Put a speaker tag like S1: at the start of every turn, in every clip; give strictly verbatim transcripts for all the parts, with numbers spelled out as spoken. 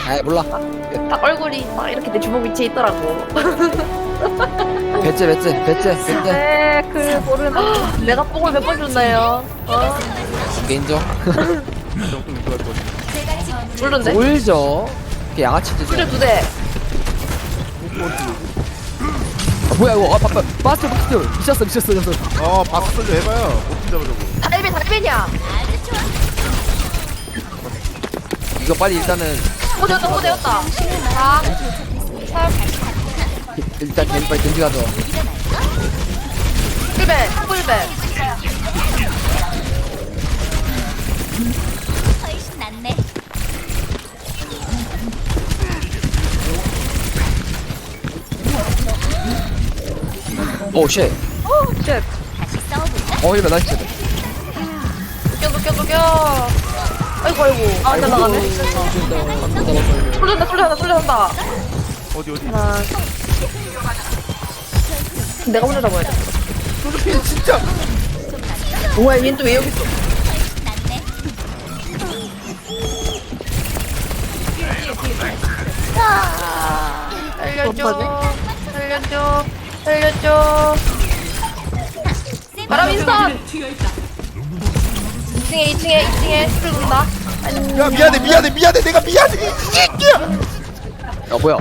S1: 아 몰라.
S2: 딱 얼굴이 막 이렇게 내 주먹 위치에 있더라고.
S1: 배째 배째 배째 배째.
S2: 네, 그 모르는. 내가 뽕을 몇 번 줬나요? 어?
S1: 이게 인정.
S3: 정통 유도할 거.
S2: 모르는데?
S1: 울죠. 그 양아치들.
S2: 술을 두 대.
S1: 아, 뭐야 이거? 아 바빠. 마스터 마스터. 미쳤어 미쳤어 미쳤어.
S3: 어 박수 sol려 해봐요. 못 잡아주고.
S2: 달배 달배냐?
S1: 이거 빨리 일단은
S2: 오 되었다 오 되었다. 사, 삼,
S1: 일단 겐 빨리 겐지 가져.
S2: 꿀배 꿀배.
S4: 훨씬 낫네.
S1: 오 쉣.
S2: 오 쉣.
S4: 다시 싸워볼까?
S1: 어 이거 나이스.
S2: 웃겨 웃겨 웃겨. 아이고 아이고. 아 일단 나가네. 쏠린다 쏠린다 쏠린다.
S3: 어디 어디.
S2: 하나. 내가 혼자 잡아야 돼.
S3: 조르핀 진짜.
S2: 뭐야 얘는 또 왜 여기 있어?
S4: 낫네.
S2: 살려줘 살려줘 살려줘. 바람 인스턴. 이 층에 이 층에 이 층에 술을 군다.
S3: 야 미안해 미안해 미안해 내가 미안해 이 새끼야.
S1: 야 뭐야?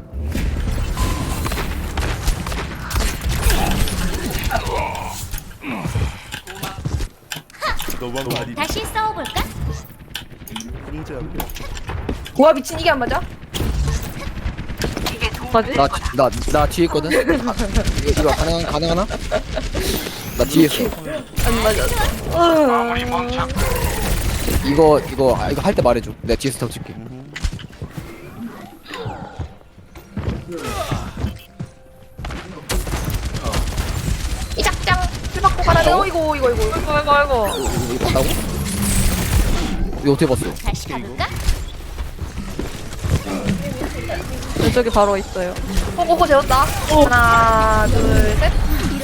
S3: 너무한 거 아니?
S4: 다시 싸워볼까?
S3: 진짜.
S2: 와 미친 이게 안 맞아? 맞지?
S1: 나나 나 뒤에 있거든. 아, 이거 이거 가능 가능하나? 나 뒤에 있어.
S2: 안 맞았어.
S1: 이거 이거 아, 이거 할 때 말해줘. 내가 뒤에서 덮칠게.
S2: 이 작장 술 받고 가라. 어 이거 이거 이거 이거 이거 이거.
S1: 이거 이거 봤다고? 이거 어떻게 봤어?
S4: 다시 가볼까?
S2: 저기 바로 있어요. 호호호 재웠다. 하나 둘 셋.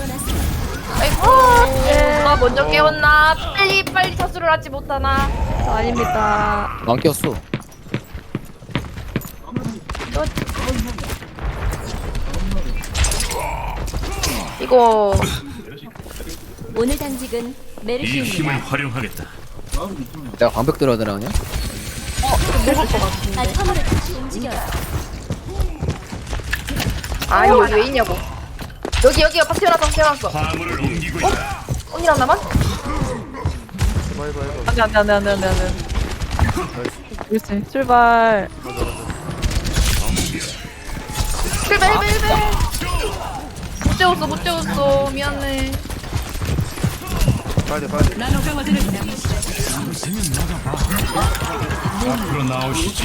S2: 아이고 누가 먼저 깨웠나? 빨리 빨리 자수를 하지 못하나? 저 아닙니다.
S1: 안 꼈어.
S2: 이거
S4: 오늘 당직은
S5: 이
S4: 메르시입니다.
S5: 힘을 활용하겠다.
S1: 내가 방벽 들어야 되나 그냥?
S4: 아, 화물을 다시 움직여요.
S2: 아 이거 왜 있냐고. 여기 여기 박 태어났어 태어났어.
S5: 화물을 옮기고 있다.
S2: 언니랑 나만?
S3: 해봐 해봐 해봐.
S6: 안돼 안돼 안돼 안돼 안돼 그렇지 출발.
S2: 힐베 힐베 힐베. 못 재웠어 못 재웠어 미안해.
S3: 빨리 빨리.
S5: 앞으로 나오시지.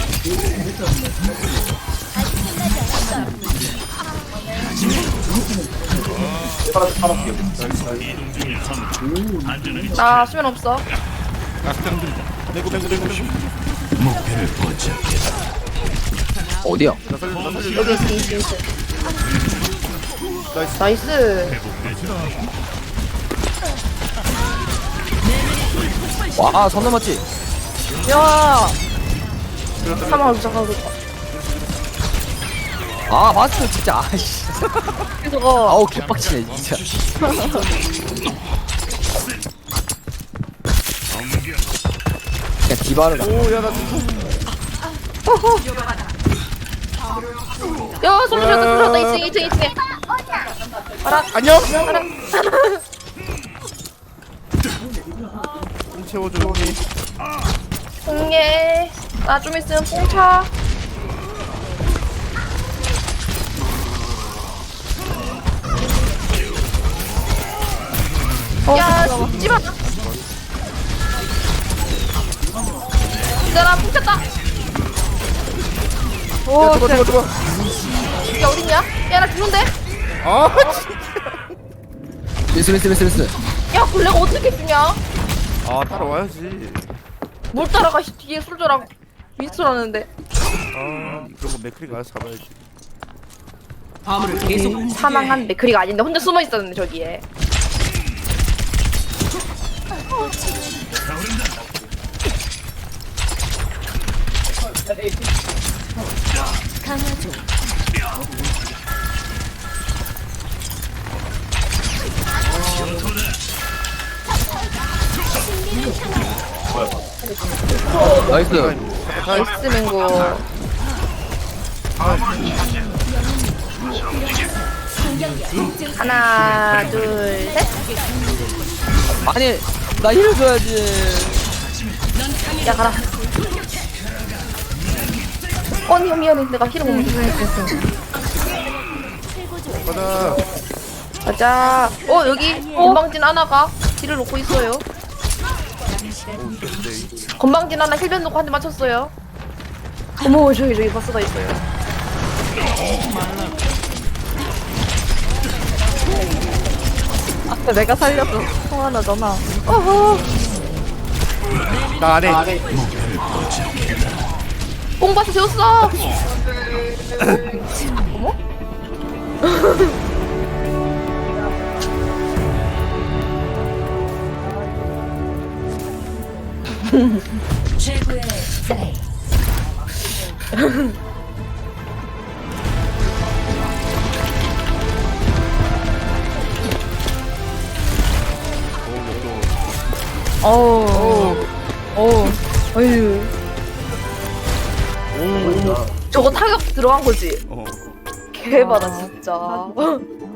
S5: 이동 중일 선. 안전하게
S2: 나 수면 없어.
S3: 내고 내고 내고 내고.
S5: 목표를 포착했다.
S1: 어디야?
S3: 나 살려 나 살려.
S2: 여기 있어 있어 있어.
S3: 나이스.
S2: 나이스.
S1: 와, 선 넘었지?
S2: 야. 사망을 부착하고 있다.
S1: 아, 마스터 진짜. 아이씨.
S2: 저거
S1: 아우, 개빡치네, 진짜. 그냥 디바를.
S3: 오야나 죽어.
S2: 야 솔루션 솔루션 이 층 이 층 이 층에. 알아.
S3: 안녕.
S2: 알아.
S3: 공 채워줘 형이.
S2: 공예. 나 좀 있으면 뽕차. 야, 죽지마. 이사람 뽕쳤다.
S3: 야 죽어 죽어 죽어.
S2: 야 어딨냐? 야 나 죽는데?
S3: 아 진짜.
S1: 미스, 미스, 미스, 미스.
S2: 야 골레가 어떻게 죽냐?
S3: 아 따라와야지.
S2: 뭘 따라가 씨, 뒤에 솔저랑 윈스라는데.
S3: 아 그런 거 맥크리가 알아서 잡아야지.
S2: 사망한 맥크리가 아닌데 혼자 숨어 있었는데 저기에.
S4: 강화 중.
S1: 나이스.
S2: 나이스 맹고. 하나, 둘, 셋.
S1: 아니 나 힐 줘야지.
S2: 야, 가라. 어, 언니, 미안해. 내가 힐을 못 먹었어.
S3: 가자.
S2: 가자. 어, 여기 건방진 하나가 힐을 놓고 있어요. 건방진 하나 힐변 놓고 한 대 맞췄어요. 어머, 저기, 저기 버스가 있어요.
S6: 아까 내가 살렸어. 성하나잖아.
S2: 어허.
S3: 나 안해.
S2: 뽕바스 세웠어. 어머?
S4: 최고의 플레이.
S6: 어우. 어우. 어휴.
S2: 저거 타격 들어간 거지?
S3: 어.
S2: 개바다 진짜.